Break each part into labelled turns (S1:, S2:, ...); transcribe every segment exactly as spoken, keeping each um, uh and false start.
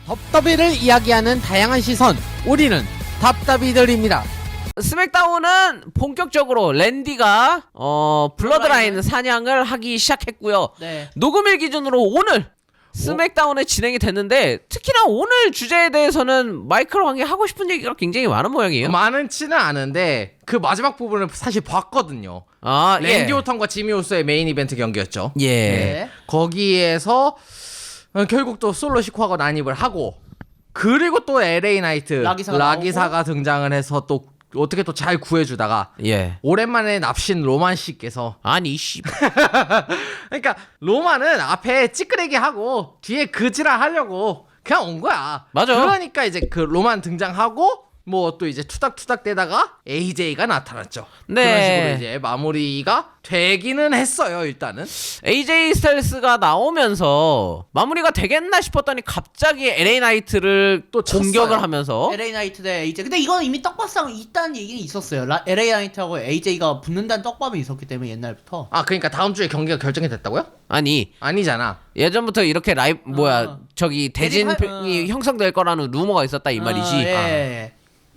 S1: 덥더비를 이야기하는 다양한 시선, 우리는 답답이들입니다. 스맥다운은 본격적으로 랜디가 어 블러드라인 사냥을 하기 시작했고요.
S2: 네.
S1: 녹음일 기준으로 오늘 스맥다운에 진행이 됐는데, 특히나 오늘 주제에 대해서는 마이클 왕이 하고 싶은 얘기가 굉장히 많은 모양이에요.
S3: 많지는 않은데 그 마지막 부분을 사실 봤거든요.
S1: 아,
S3: 랜디
S1: 예.
S3: 오턴과 지미 우소의 메인 이벤트 경기였죠.
S1: 예.
S2: 네.
S3: 거기에서 어, 결국 또 솔로 시코하고 난입을 하고, 그리고 또 엘에이 나이트
S2: 라기사가,
S3: 라기사가 등장을 해서 또 어떻게 또 잘 구해주다가
S1: 예.
S3: 오랜만에 납신 로만 씨께서,
S1: 아니 씨.
S3: 그러니까 로만은 앞에 찌끄레기 하고 뒤에 그지랄 하려고 그냥 온 거야.
S1: 맞아.
S3: 그러니까 이제 그 로만 등장하고 뭐 또 이제 투닥투닥 대다가 에이제이가 나타났죠.
S1: 네.
S3: 그런 식으로 이제 마무리가 되기는 했어요. 일단은
S1: 에이제이 스타일스가 나오면서 마무리가 되겠나 싶었더니 갑자기 엘에이 나이트를
S3: 또
S1: 공격을
S3: 쳤어요.
S1: 하면서
S2: 엘에이 나이트 대 에이제이. 근데 이건 이미 떡밥상 있다는 얘기는 있었어요. 라, 엘에이 나이트하고 에이제이가 붙는다는 떡밥이 있었기 때문에 옛날부터.
S3: 아 그러니까 다음 주에 경기가 결정이 됐다고요?
S1: 아니
S3: 아니잖아.
S1: 예전부터 이렇게 라이브 뭐야
S2: 어.
S1: 저기 대진이
S2: 대진 할- 어.
S1: 형성될 거라는 루머가 있었다 이 말이지.
S2: 어, 예.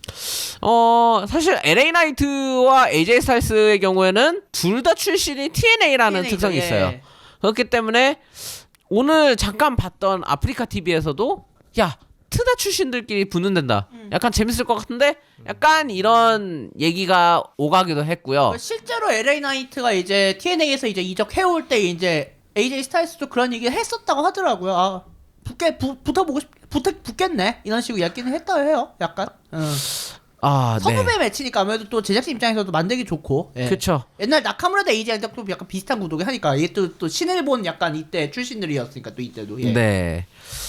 S1: 어 사실 엘에이 나이트와 에이제이 스타일스의 경우에는 둘 다 출신이 티엔에이라는
S2: 티엔에이 죠,
S1: 특성이
S2: 예.
S1: 있어요. 그렇기 때문에 오늘 잠깐 봤던 아프리카 티비에서도 야 트다 출신들끼리 붙는단다.
S2: 음.
S1: 약간 재밌을 것 같은데 약간 이런 얘기가 오가기도 했고요.
S2: 실제로 엘에이 나이트가 이제 티엔에이에서 이제 이적해올 때 이제 에이제이 스타일스도 그런 얘기를 했었다고 하더라고요. 아, 붙게 부, 붙어보고 싶, 붙, 붙겠네 이런 식으로 얘기는 했다 해요. 약간. 응.
S1: 아
S2: 선후배
S1: 네.
S2: 매치니까 아무래도 또 제작진 입장에서도 만들기 좋고. 예.
S1: 그쵸.
S2: 옛날 나카무라 대 에이제이랑 또 약간 비슷한 구도긴 하니까 이게 또, 또 신일본 약간 이때 출신들이었으니까 또 이때도. 예.
S1: 네.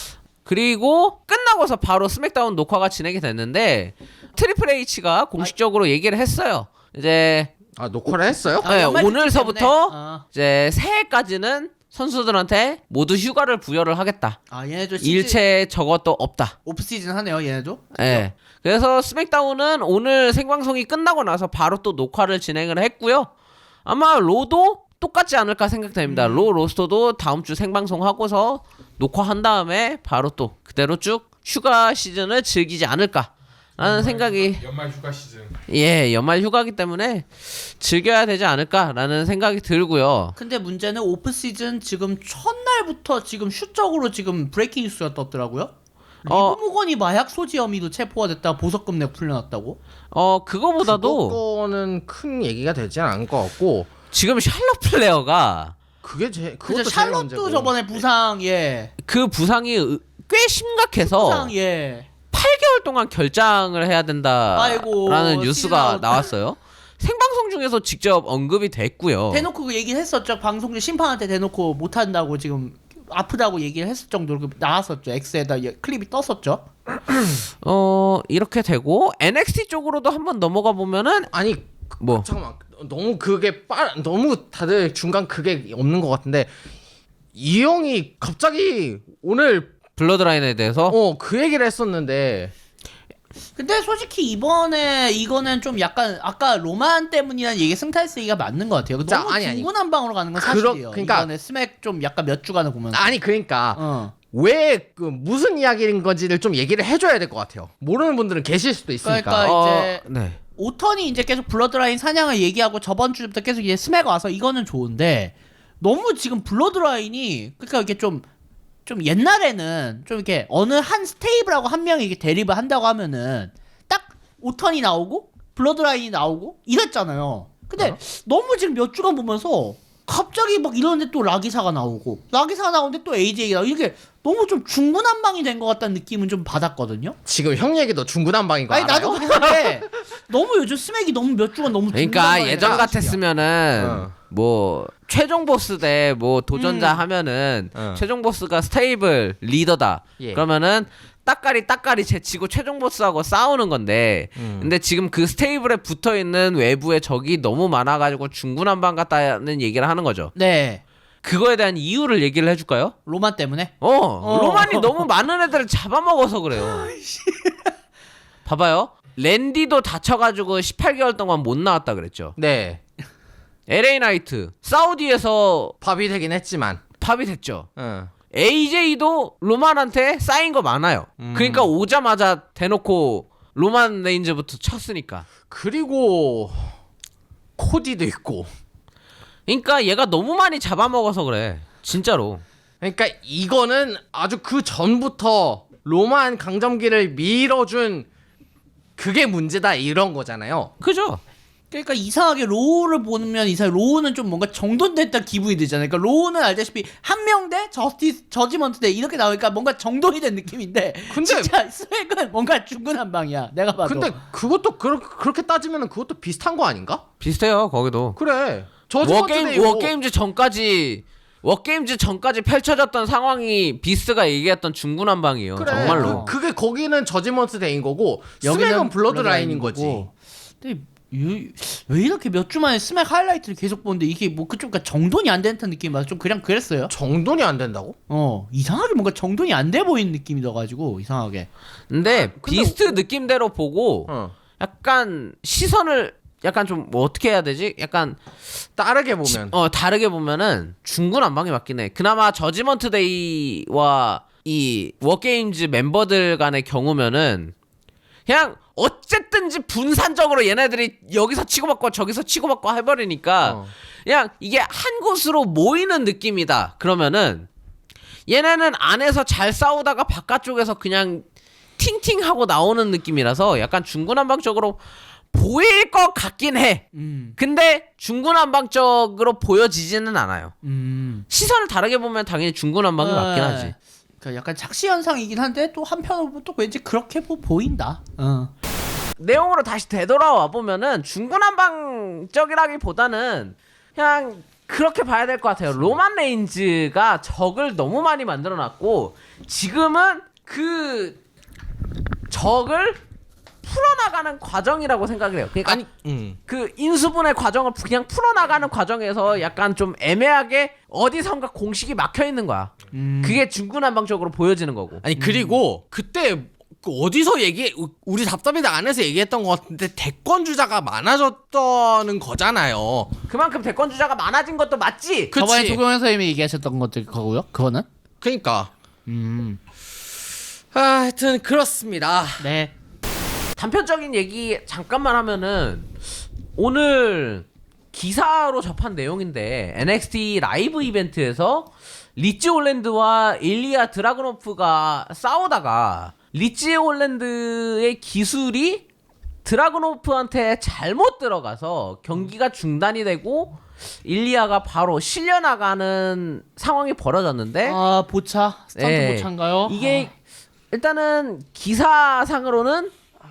S1: 그리고 끝나고서 바로 스맥다운 녹화가 진행이 됐는데 트리플 H가 공식적으로 얘기를 했어요. 이제
S3: 아 녹화를 했어요?
S2: 아,
S1: 네,
S2: 연말
S1: 오늘서부터
S2: 때문에. 아.
S1: 이제 새해까지는 선수들한테 모두 휴가를 부여를 하겠다.
S2: 아 얘네도 시즌
S1: 일체 저것도 없다.
S2: 오프 시즌 하네요 얘네도.
S1: 예. 그래서 스맥다운은 오늘 생방송이 끝나고 나서 바로 또 녹화를 진행을 했고요. 아마 로도 똑같지 않을까 생각됩니다.
S2: 음.
S1: 로 로스터도 다음 주 생방송 하고서 녹화한 다음에 바로 또 그대로 쭉 휴가 시즌을 즐기지 않을까 라는 생각이,
S4: 연말 휴가 시즌.
S1: 예, 연말 휴가기 때문에 즐겨야 되지 않을까라는 생각이 들고요.
S2: 근데 문제는 오프 시즌 지금 첫날부터 지금 슈적으로 지금 브레이킹 뉴스가 떴더라고요.
S1: 어.
S2: 리브무건이 마약 소지 혐의로 체포가 됐다. 보석금 내고 풀려났다고.
S1: 어, 그거보다도
S3: 그거는 큰 얘기가 되지 않을 것 같고,
S1: 지금 샬럿 플레어가
S3: 그게 제
S2: 그죠
S3: 그것도 제일
S2: 샬롯도
S3: 문제고.
S2: 저번에 부상 예.
S1: 그 부상이 으- 꽤 심각해서
S2: 부상 예.
S1: 팔 개월 동안 결장을 해야 된다라는
S2: 아이고,
S1: 뉴스가
S2: 시즌
S1: 나왔어요. 생방송 중에서 직접 언급이 됐고요.
S2: 대놓고 그 얘기를 했었죠. 방송 중 심판한테 대놓고 못 한다고 지금 아프다고 얘기를 했을 정도로 그 나왔었죠. X에다 예, 클립이 떴었죠.
S1: 어 이렇게 되고 엔엑스티 쪽으로도 한번 넘어가 보면은
S3: 아니
S1: 뭐
S3: 잠깐만, 너무 그게 빨 너무 다들 중간 그게 없는 것 같은데, 이 형이 갑자기 오늘
S1: 블러드라인에 대해서
S3: 어 그 얘기를 했었는데,
S2: 근데 솔직히 이번에 이거는 좀 약간 아까 로만 때문이라는 얘기 승탈스 얘기가 맞는 것 같아요.
S3: 자,
S2: 너무
S3: 아니, 아니.
S2: 중구난방으로 가는 건
S3: 그러-
S2: 사실이에요.
S3: 그러니까-
S2: 이번에 스맥 좀 약간 몇 주간을 보면서.
S3: 아니 그러니까
S2: 어.
S3: 왜 그 무슨 이야기인 건지를 좀 얘기를 해줘야 될 것 같아요. 모르는 분들은 계실 수도 있으니까.
S2: 그러니까
S1: 어,
S2: 이제
S1: 네.
S2: 오턴이 이제 계속 블러드라인 사냥을 얘기하고 저번 주부터 계속 이제 스맥 와서 이거는 좋은데 너무 지금 블러드라인이 그러니까 이게 좀 좀 옛날에는 좀 이렇게 어느 한 스테이블하고 한 명이 이렇게 대립을 한다고 하면은 딱 오턴이 나오고 블러드라인이 나오고 이랬잖아요. 근데
S3: 어?
S2: 너무 지금 몇 주간 보면서 갑자기 막 이러는데 또 라기사가 나오고 라기사가 나오는데 또 에이제이가 나오고 이렇게 너무 좀 중구난방이 된 것 같다는 느낌은 좀 받았거든요.
S3: 지금 형 얘기도 중구난방인 거
S2: 아니
S3: 알아요?
S2: 나도 그런데 너무 요즘 스맥이 너무 몇 주간 너무
S1: 그러니까
S2: 중구난방이
S1: 예전
S2: 돼서
S1: 같았으면은
S3: 어.
S1: 뭐 최종 보스 대 뭐 도전자
S2: 음.
S1: 하면은
S3: 어.
S1: 최종 보스가 스테이블 리더다.
S3: 예.
S1: 그러면은 따까리 따까리 제치고 최종 보스하고 싸우는 건데,
S3: 음.
S1: 근데 지금 그 스테이블에 붙어 있는 외부에 적이 너무 많아가지고 중구난방 같다는 얘기를 하는 거죠.
S2: 네.
S1: 그거에 대한 이유를 얘기를 해줄까요?
S2: 로만 때문에?
S1: 어, 로만이 너무 많은 애들을 잡아먹어서 그래요. 봐봐요. 랜디도 다쳐가지고 십팔 개월 동안 못 나왔다 그랬죠.
S3: 네.
S1: 엘에이 나이트 사우디에서
S3: 밥이 되긴 했지만.
S1: 팝이 됐죠.
S3: 응.
S1: 에이제이도 로만한테 쌓인 거 많아요.
S3: 음.
S1: 그러니까 오자마자 대놓고 로만 레인즈부터 쳤으니까.
S3: 그리고 코디도 있고.
S1: 그러니까 얘가 너무 많이 잡아먹어서 그래. 진짜로.
S3: 그러니까 이거는 아주 그 전부터 로만 강점기를 밀어준 그게 문제다 이런 거잖아요.
S1: 그죠?
S2: 그러니까 이상하게 로우를 보면 이상 로우는 좀 뭔가 정돈됐다 기분이 들잖아요. 그러니까 로우는 알다시피 한 명 대 저스티스 저지먼트 대 이렇게 나오니까 뭔가 정돈이 된 느낌인데
S3: 근데-
S2: 진짜 스웩은 뭔가 중구난방이야. 내가 봐도.
S3: 근데 그것도 그렇, 그렇게 따지면 그것도 비슷한 거 아닌가?
S1: 비슷해요. 거기도.
S3: 그래. 저지먼트
S1: 워게임
S3: 데이고
S1: 워게임즈 전까지 워게임즈 전까지 펼쳐졌던 상황이 비스가 얘기했던 중구난방이에요.
S3: 그래.
S1: 정말로.
S3: 그, 그게 거기는 저지먼트 데이인 거고
S2: 여기는
S3: 스맥은 블러드라인인 거지.
S2: 거고. 근데 유- 왜 이렇게 몇 주 만에 스맥 하이라이트를 계속 보는데 이게 뭐 그쪽 그러니까 정돈이 안 되는 듯한 느낌이 맞아. 좀 그냥 그랬어요.
S3: 정돈이 안 된다고?
S2: 어 이상하게 뭔가 정돈이 안 돼 보이는 느낌이 들어가지고 이상하게.
S1: 근데
S3: 근데
S1: 비스트 느낌대로 보고
S3: 어.
S1: 약간 시선을 약간 좀 뭐 어떻게 해야 되지? 약간
S3: 다르게 보면
S1: 어 다르게 보면은 중구난방이 맞긴 해. 그나마 저지먼트 데이와 이 워게임즈 멤버들 간의 경우면은 그냥 어쨌든지 분산적으로 얘네들이 여기서 치고받고 저기서 치고받고 해버리니까
S3: 어.
S1: 그냥 이게 한 곳으로 모이는 느낌이다. 그러면은 얘네는 안에서 잘 싸우다가 바깥쪽에서 그냥 팅팅하고 나오는 느낌이라서 약간 중구난방적으로 보일 것 같긴 해.
S2: 음.
S1: 근데 중구난방적으로 보여지지는 않아요.
S2: 음.
S1: 시선을 다르게 보면 당연히 중구난방이 맞긴
S2: 네.
S1: 하지.
S2: 그러니까 약간 착시 현상이긴 한데 또 한편으로 보면 또 왠지 그렇게 보, 보인다. 어.
S1: 내용으로 다시 되돌아와 보면은 중구난방적이라기보다는 그냥 그렇게 봐야 될 것 같아요. 로만 레인즈가 적을 너무 많이 만들어놨고 지금은 그 적을 풀어나가는 과정이라고 생각을 해요. 그러니까
S3: 아니 음.
S1: 그 인수분해 과정을 그냥 풀어나가는 과정에서 약간 좀 애매하게 어디선가 공식이 막혀 있는 거야.
S2: 음.
S1: 그게 중구난방적으로 보여지는 거고.
S3: 아니 그리고 그때 그 어디서 얘기 우리 답답이다 안에서 얘기했던 것 같은데 대권 주자가 많아졌다는 거잖아요.
S1: 그만큼 대권 주자가 많아진 것도 맞지.
S3: 그치.
S2: 저번에 조경현 선생님이 얘기하셨던 것들 거고요. 그거는.
S3: 그러니까
S2: 음.
S3: 아, 하여튼 그렇습니다.
S2: 네.
S1: 단편적인 얘기 잠깐만 하면은 오늘 기사로 접한 내용인데 엔엑스티 라이브 이벤트에서 리치 올랜드와 일리아 드라그노프가 싸우다가 리치 올랜드의 기술이 드라그노프한테 잘못 들어가서 경기가 중단이 되고 일리아가 바로 실려나가는 상황이 벌어졌는데
S2: 아 보차 스턴트
S1: 네.
S2: 보차인가요?
S1: 이게 일단은 기사상으로는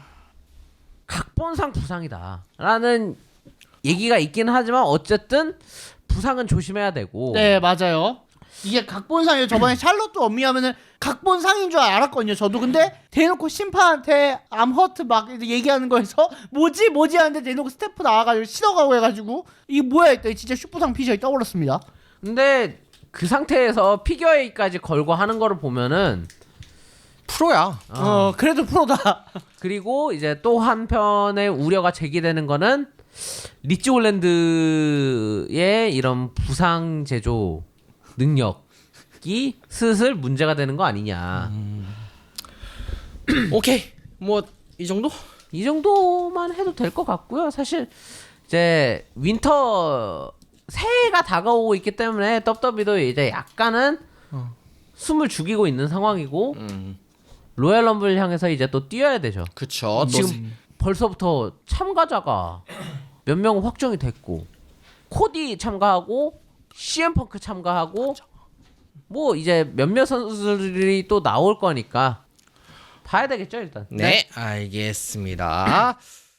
S1: 각본상 부상이다라는 얘기가 있긴 하지만 어쨌든 부상은 조심해야 되고
S2: 네 맞아요. 이게 각본상이에요. 저번에 샬롯도 엄미하면은 각본상인 줄 알았거든요. 저도 근데 대놓고 심판한테 암허트 막 얘기하는 거에서 뭐지 뭐지 하는데 대놓고 스태프 나와가지고 신어가고 해가지고 이게 뭐야 했더니 진짜 슈퍼상 피셜이 떠올랐습니다.
S1: 근데 그 상태에서 피겨에이까지 걸고 하는 거를 보면은
S3: 프로야.
S2: 어 그래도 프로다.
S1: 그리고 이제 또 한편의 우려가 제기되는 거는 리치 올랜드의 이런 부상 제조 능력이 슬슬 문제가 되는 거 아니냐.
S3: 오케이. 뭐 이 정도?
S1: 이 정도만 해도 될 것 같고요. 사실 이제 윈터 새해가 다가오고 있기 때문에 더블유더블유이도 이제 약간은 숨을 죽이고 있는 상황이고
S3: 음.
S1: 로얄 럼블 향해서 이제 또 뛰어야 되죠.
S3: 그쵸.
S1: 지금 벌써부터 참가자가 몇 명 확정이 됐고 코디 참가하고 씨엠펑크 참가하고 뭐 이제 몇몇 선수들이 또 나올 거니까 봐야 되겠죠 일단.
S3: 네, 알겠습니다.